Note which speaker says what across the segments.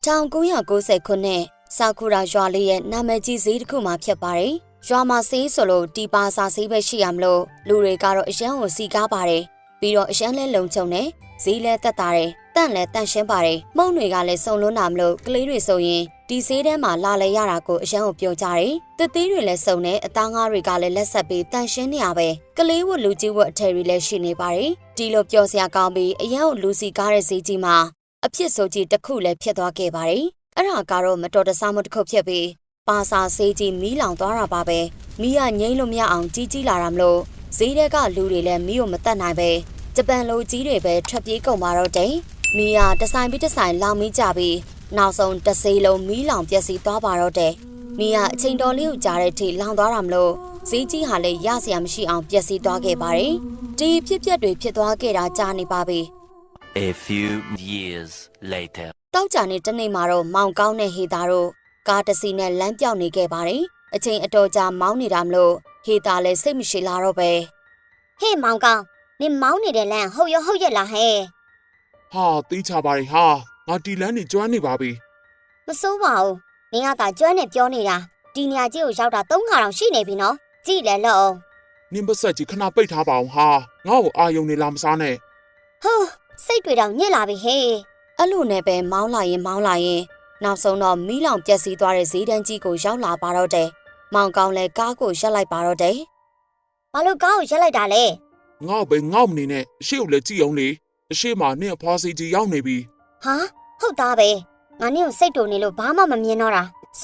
Speaker 1: 1990 ခုနှစ်ဆာကူရာရွာလေးရဲ့နာမည်ကြီးဈေးတစ်ခုမှာဖြစ်ပါတယ်။ရွာမှာဆေးဆိုလို့ဒီပါစာဆေးပဲရှိရမလို့လူတွေကတော့အရန်ကိုစီကားပါတယ်။ပြီးတော့အရန်လဲလုံခြုံတယ်။ဈေးလဲတက်တာတယ်။တန့်လဲတန့်ရှင်းပါတယ်။မုံတွေကလည်းစုံလွန်းတာမလို့ကလေးတွေဆိုရင်ဒီဈေးထဲမှာလာလဲရတာကိုအရန်ကိုပြောကြတယ်။တစ်သေးတွေလည်းစုံတယ်အသားငါးတွေကလည်းလက်ဆက်ပြီးတန့်ရှင်းနေရပဲ။ကလေးဝတ်လူကြီးဝတ်အထည်တွေလည်းရှိနေပါတယ်။ဒီလိုပြောစရာကောင်းပြီးအရန်ကိုလူစီကားတဲ့ဈေးကြီးမှာအဖြစ်ဆိုကြီးတစ်ခုလည်းဖြစ်သွားခဲ့ပါတယ်။အဲ့ဒါကတော့မတော်တဆမှုတစ်ခုဖြစ်ပြီးပါစာဆေးကြီးမီးလောင်သွားတာပါပဲ။မီးကငိမ့်လို့မရအောင်ကြီးလာတာမလို့ဈေးထဲကလူတွေလည်းမီးကိုမတတ်နိုင်ပဲဂျပန်လူကြီးတွေပဲထွက်ပြေးကုန်ပါတော့တယ်။မီးကတဆိုင်ပြီးတဆိုင်လောင်မီးကြပြီးနောက်ဆုံးတစ်စေးလုံးမီးလောင်ပျက်စီးသွားပါတော့တယ်။မီးကအချိန်တော်လေးကိုကြားတဲ့အထိလောင်သွားတာမလို့ဈေးကြီးဟာလည်းရစရာမရှိအောင်ပျက်စီးသွားခဲ့ပါတယ်။ဒီဖြစ်ပျက်တွေဖြစ်သွားခဲ့တာကြားနေပါပြီ။
Speaker 2: A few years later
Speaker 1: တောက်ကြနေတနေ့မှာတော့မောင်ကောင်းတဲ့ဟေတာတို့ကားတစ်စီးနဲ့လမ်းပြောင်းနေခဲ့ပါတယ်။အချိန်အတော်ကြာမောင်းနေတာမလို့ဟေတာလည်းစိတ်မရှိလာတော့ပဲ။ဟေ့မောင်ကောင်းနင်မောင်းနေတဲ့လမ်းဟုတ်ရဲ့လားဟဲ့
Speaker 3: ။ဟာသိချပါရဲ့ဟာငါတီလန်းနေကျွမ်းနေပါပြီ
Speaker 1: ။မစိုးပါဘူး။နင်ကသာကျွမ်းနေပြောနေတာဒီနေရာကြီးကိုရောက်တာ3ခါတောင်ရှိနေပြီနော်။ကြည့်လဲလို့အောင်
Speaker 3: ။နင်ပါဆက်ကြီးခဏပိတ်ထားပါအောင်ဟာငါ့ကိုအာယုံနေလာမစားနဲ့
Speaker 1: ။ဟိုးစိတ်တွေတောင်ညစ်လာပြီဟဲ့။အဲ့လိုနဲ့ပဲမောင်းလာရင်နောက်ဆုံးတော့မီးလောင်ပျက်စီးသွားတဲ့ဈေးတန်းကြီးကိုရောက်လာပါတော့တယ်။မောင်ကောင်းလည်းကားကိုရပ်လိုက်ပါတော့တယ်။ဘာလို့ကားကိုရပ်လိုက်တာလဲ
Speaker 3: ။ငေါ့ပဲငေါ့မနေနဲ့အရှိကိုလည်းကြည့်အောင်လေ။အရှိမှာနင့်အဖွားစီကြီးရောက်နေပြီ
Speaker 1: ။ဟာဟုတ်သားပဲ။ငါနင့်ကိုစိတ်တူနေလို့ဘာမှမမြင်တော့တာ။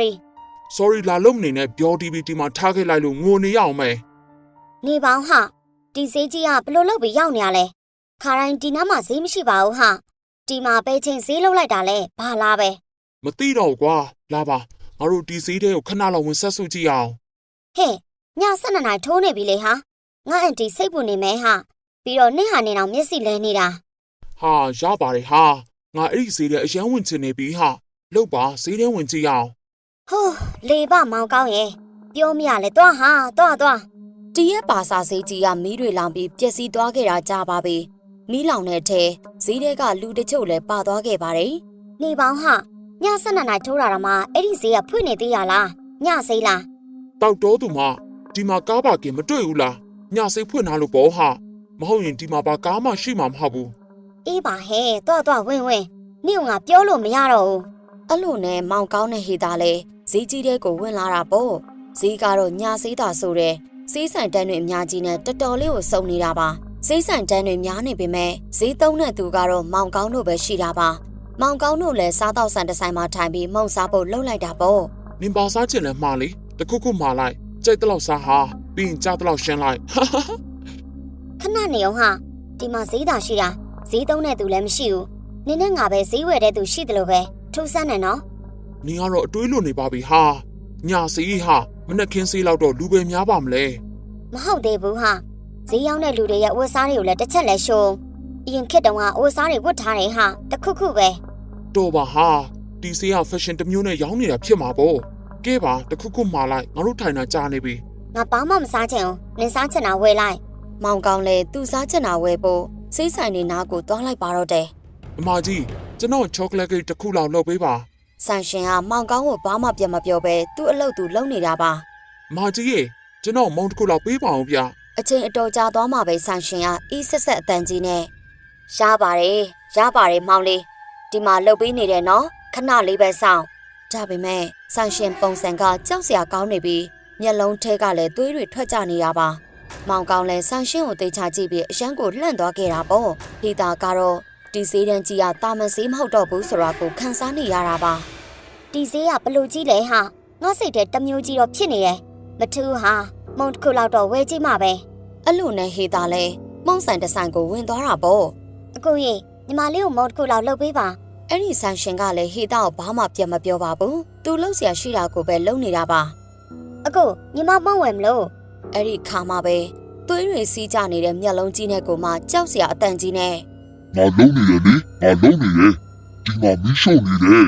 Speaker 1: Sorry
Speaker 3: လာလို့မနေနဲ့ပြောတီဗီတီမှာထားခဲ့လိုက်လို့ငိုနေရအောင်မယ်
Speaker 1: ။နေပေါင်းဟာဒီဈေးကြီးကဘလို့လုပ်ပြီးရောက်နေရလဲ။ခါတိုင်းဒီနားမှာဈေးမရှိပါဘူးဟာ။ဒီမှာပဲချင်းဈေးလုံးလိုက်တာလဲဘာလားပဲ
Speaker 3: မသိတော့ကွာလာပါငါတို့ဒီဈေးထဲကိုခဏလောက်ဝင်ဆက်စုကြည့်အောင်
Speaker 1: ဟဲ့ည12နာရီထိုးနေပြီလေဟာငါအန်တီစိတ်ပူနေမယ်ဟာပြီးတော့နေ့ဟာနေတော့မျက်စိလဲနေတာ
Speaker 3: ဟာရပါတယ်ဟာငါအဲ့ဒီဈေးထဲအရန်ဝင်ချင်နေပြီဟာလောက်ပါဈေးထဲဝင်ကြည့်အောင်
Speaker 1: ဟိုးလေပမောင်ကောင်းရဲ့ပြောမရလဲတွားဟာတွားတီးရဲ့ပါစာဈေးကြီးကမီးတွေလောင်ပြီးပျက်စီးသွားခဲ့တာကြားပါပြီမီးလောင်တဲ့အထဲဈေးထဲကလူတချို့လည်းပါသွားခဲ့ပါတယ်နေပေါင်းဟာည12နာရီထိုးတာမှအဲ့ဒီဈေးကဖွင့်နေသေးရလားညဈေးလား
Speaker 3: တောက်တော်သူမဒီမှာကားပါကင်မတွေ့ဘူးလားညဈေးဖွင့်ထားလို့ပေါ့ဟာမဟုတ်ရင်ဒီမှာပါကားမှရှိမှာမဟုတ်ဘူး
Speaker 1: အေးပါဟဲ့တော့ဝင်နေကငါပြောလို့မရတော့ဘူးအဲ့လိုနဲ့မောင်ကောင်းတဲ့ဟေတာလဲဈေးကြီးတဲ့ကိုဝင်လာတာပေါ့ဈေးကတော့ညဈေးတာဆိုတဲ့ဈေးဆိုင်တန်းတွေအများကြီးနဲ့တော်တော်လေးကိုစုံနေတာပါဈေးဆိုင်တန်းတွေများနေပေမဲ့ဈေးသုံးတဲ့သူကတော့မောင်ကောင်းတို့ပဲရှိတာပါမောင်ကောင်းတို့လည်းစားတော့ဆန်တစ်ဆိုင်မှာထိုင်ပြီးမှုန့်စားဖို့လှုပ်လိုက်တာပေါ့
Speaker 3: နင်ပါစားချင်လဲမှားလေတခုမှားလိုက်ကြိုက်တလောက်စားဟာပြီးရင်ကြားတလောက်ရှင်းလိုက်
Speaker 1: ခဏနေအောင်ဟာဒီမှာဈေးသာရှိတာဈေးသုံးတဲ့သူလည်းမရှိဘူးနင်းနဲ့ငါပဲဈေးဝယ်တဲ့သူရှိတယ်လို့ပဲထူးဆန်းနေနော်
Speaker 3: နင်ကတော့အတွေးလွန်နေပါပြီဟာညစီဟာမနဲ့ခင်းစေးလောက်တော့လူပဲများပါမလဲ
Speaker 1: မဟုတ်သေးဘူးဟာဈေးရောက်တဲ့လူတွေရဲ့ဝတ်စားတွေကိုလည်းတစ်ချက်လဲရှုံးအရင်ခေတ်တုန်းကဝတ်စားတွေဝတ်ထားတယ်ဟာတခုပဲ
Speaker 3: တော်ပါဟာဒီစေးကဖက်ရှင်တစ်မျိုးနဲ့ရောင်းနေတာဖြစ်မှာပေါ့ကဲပါတခုမှားလိုက်ငါတို့ထိုင်တာကြားနေပြီ
Speaker 1: ငါဘာမှမစားချင်ဘူးနင်စားချင်တာဝယ်လိုက်မောင်ကောင်းလေသူစားချင်တာဝယ်ဖို့စေးဆိုင်နေနားကိုသွားလိုက်ပါတော့တယ်
Speaker 3: အမကြီးကျွန်တော်ချောကလက်ကိတ်တစ်ခုလောက်လုပ်ပေးပါ
Speaker 1: ဆန်ရှင်ကမောင်ကောင်းကိုဘာမှပြန်မပြောပဲသူ့အလုပ်သူလုပ်နေတာပါ
Speaker 3: အမကြီးရေကျွန်တော်မုံတစ်ခုလောက်ပေးပါအောင်ဗျ
Speaker 1: အချိန်အတော်ကြာသွားမှပဲဆန်ရှင်ကအေးဆက်အတန်ကြီးနဲ့ရပါတယ်မောင်လေးဒီမှာလှုပ်ပေးနေတယ်နော်ခဏလေးပဲစောင့်ဒါပေမဲ့ဆန်ရှင်ပုံစံကကြောက်စရာကောင်းနေပြီးမျက်လုံးထဲကလည်းသွေးတွေထွက်ကြနေရပါမောင်ကောင်းလည်းဆန်ရှင်ကိုသိချကြည့်ပြီးအရန်ကိုလှန့်သွားခဲ့တာပေါ့ဟီတာကတော့ဒီဈေးတန်းကြီးကတာမန်ဈေးမဟုတ်တော့ဘူးဆိုတာကိုခန်းစားနေရတာပါဒီဈေးကဘလို့ကြီးလဲဟာငါစိတ်ထဲတမျိုးကြီးတော့ဖြစ်နေတယ်မထူးဟာမုံတစ်ခုလောက်တော့ဝဲကြည့်မှပဲအဲ့လိုနဲ့ဟေတာလဲမုံဆိုင်တစ်ဆိုင်ကိုဝင်သွားတာပေါ့အကိုကြီးညီမလေးကိုမုံတစ်ခုလောက်လှုပ်ပေးပါအဲ့ဒီဆန်ရှင်ကလည်းဟေတာကိုဘာမှပြန်မပြောပါဘူးသူလှုပ်เสียရှိတာကိုပဲလှုပ်နေတာပါအကိုညီမမုံဝယ်မလို့အဲ့ဒီခါမှပဲသွေးတွေစီးကြနေတဲ့မျက်လုံးကြီးနဲ့ကိုမှကြောက်เสียအတန်ကြီးနဲ့
Speaker 4: ငါလုံးနေတယ်လေငါလုံးနေတယ်ဒီမှာမီးရှို့နေတယ်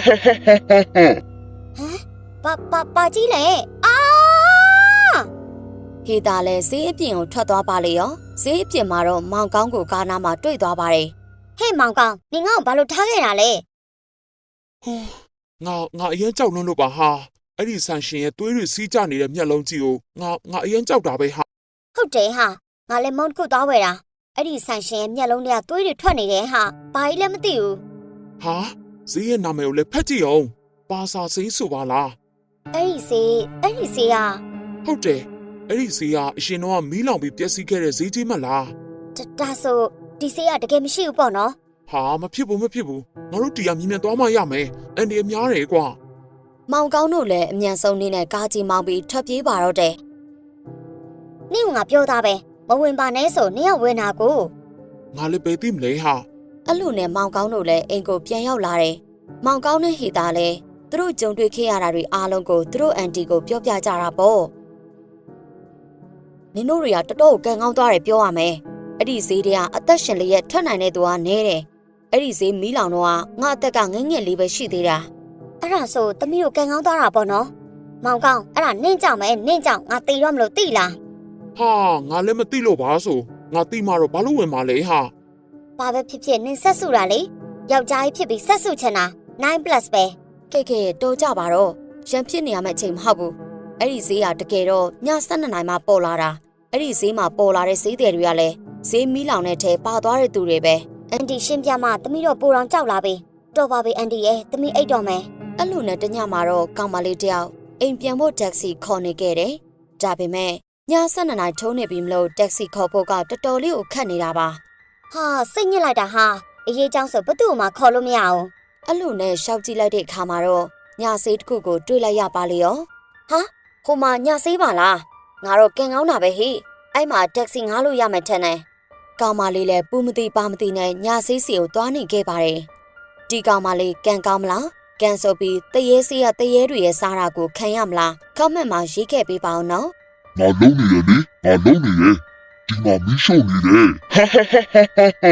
Speaker 1: ပါကြီးလေအာဟေတာလည်းဈေးအပြင်ကိုထွက်သွားပါလေရောဈေးအပြင်မှာတော့မောင်ကောင်းကိုကားနားမှာတွေ့သွားပါတယ်ဟဲ့မောင်ကောင်းနင်ငါ့ကိုဘာလို့ထားခဲ့တာလဲ
Speaker 3: ဟိုငါအရင်ကြောက်လွန်းလို့ပါဟာအဲ့ဒီဆန်ရှင်ရဲ့သွေးတွေစီးကျနေတဲ့မျက်လုံးကြီးကိုငါအရင်ကြောက်တာပဲဟာ
Speaker 1: ဟုတ်တယ်ဟာငါလည်းမုန်းတစ်ခုသွားဝယ်တာအဲ့ဒီဆန်ရှင်ရဲ့မျက်လုံးတွေကသွေးတွေထွက်နေတယ်ဟာဘာကြီးလည်းမသိဘူး
Speaker 3: ဟာဈေးရဲ့နာမည်ကိုလည်းဖတ်ကြည့်အောင်ပါစာဈေးဆိုပါလား
Speaker 1: အဲ့ဒီဆေးက
Speaker 3: ဟုတ်တယ်အဲ့ဒီဈေးကအရှင်တော့မီးလောင်ပြီးပျက်စီးခဲ့တဲ့ဈေးကြီးမလား
Speaker 1: ဒါဆိုဒီဆေးကတကယ်မရှိဘူးပေါ့နော်
Speaker 3: ဟာမဖြစ်ဘူးငါတို့တီးရမြင်မြန်သွားမှရမယ်အန်ဒီအများတယ်ကွာ
Speaker 1: မောင်ကောင်းတို့လည်းအမြန်ဆုံးနေနဲ့ကားကြီးမောင်းပြီးထွက်ပြေးပါတော့တယ်နင့်ကငါပြောသားပဲမဝင်ပါနဲ့ဆိုနင့်ကဝင်တာကို
Speaker 3: ငါလည်းပဲသိမလဲဟာ
Speaker 1: အဲ့လိုနဲ့မောင်ကောင်းတို့လည်းအိမ်ကိုပြန်ရောက်လာတယ်မောင်ကောင်းနဲ့ဟေတာလည်းသူတို့ကြုံတွေ့ခဲ့ရတာတွေအားလုံးကိုသူတို့အန်တီကိုပြောပြကြတာပေါ့နင်တို့တွေကတော်တော်ကန်ကောင်းသွားတယ်ပြောရမယ်အဲ့ဒီဈေးတွေကအသက်ရှင်လျက်ထွက်နိုင်တဲ့သူကနဲတယ်အဲ့ဒီဈေးမီးလောင်တော့ငါအသက်ကငယ်ငယ်လေးပဲရှိသေးတာအဲ့ဒါဆိုသမီးတို့ကန်ကောင်းသွားတာပေါ့နော်မောင်ကောင်းအဲ့ဒါနင့်ကြောင့်ပဲနင့်ကြောင့်ငါတေတော့မလို့သိလား
Speaker 3: ဟာငါလည်းမသိလို့ပါဆိုငါသိမှတော့ဘာလို့ဝင်มาလဲဟာ
Speaker 1: ဘာပဲဖြစ်ဖြစ်နင်ဆက်စုတာလေယောက်ျားကြီးဖြစ်ပြီးဆက်စုချင်တာ9+ ပဲကဲတော်ကြပါတော့ရန်ဖြစ်နေရမယ့်အချိန်မဟုတ်ဘူးအဲ့ဒီဈေးကတကယ်တော့ည12နာရီမှပေါ်လာတာအဲ့ဒီဈေးမှာပေါ်လာတဲ့ဈေးတွေတွေကလည်းဈေးမီးလောင်တဲ့ထဲပါသွားတဲ့သူတွေပဲအန်တီရှင်းပြမသမီးတော့ပိုတောင်ကြောက်လာပြီတော်ပါပြီအန်တီရဲ့သမီးအိတ်တော်မယ်အဲ့လိုနဲ့တညမှာတော့ကောင်မလေးတယောက်အိမ်ပြန်ဖို့တက္ကစီခေါ်နေခဲ့တယ်ဒါပေမဲ့ည12နာရီထုံးနေပြီမလို့တက္ကစီခေါ်ဖို့ကတော်တော်လေးကိုခက်နေတာပါဟာစိတ်ညစ်လိုက်တာဟာအရေးကြောင်းဆိုဘသူ့မှခေါ်လို့မရအောင်အဲ့လိုနဲ့ရှောက်ကြည့်လိုက်တဲ့အခါမှာတော့ညဆေးတစ်ခုကိုတွေးလိုက်ရပါလေရောဟာဟိုမှာညဆေးပါလားငါတော့ကင်ကောင်းတာပဲဟိအဲ့မှာတက္ကစီငားလို့ရမယ်ထင်တယ်ကောင်မလေးလည်းပူမသိပါမသိနဲ့ညဆေးစီကိုသွားနေခဲ့ပါတယ်ဒီကောင်မလေးကန်ကောင်းမလားကန်ဆိုပြီးတရေစီးရတရေတွေရဲ့စားတာကိုခံရမလားကောမန့်မှာရေးခဲ့ပေးပါအောင်နော်
Speaker 4: ငါလုံးနေရလေငါလုံးနေရဒီမှာမီးရှို့နေတယ်ဟာဟာဟာဟာဟာ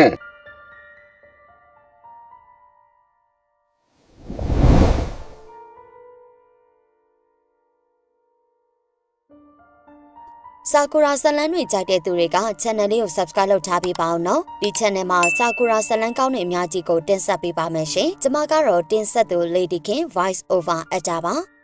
Speaker 1: စာကူရာဇလန်းတွေကြိုက်တဲ့သူတွေက channel လေးကို subscribe လုပ်ထားပေးပါအောင်နော်ဒီ channel မှာစာကူရာဇလန်းကောင်းတဲ့အများကြီးကိုတင်ဆက်ပေးပါမယ်ရှင်ကျွန်မကတော့တင်ဆက်သူ Lady King Voice Over အကြပါ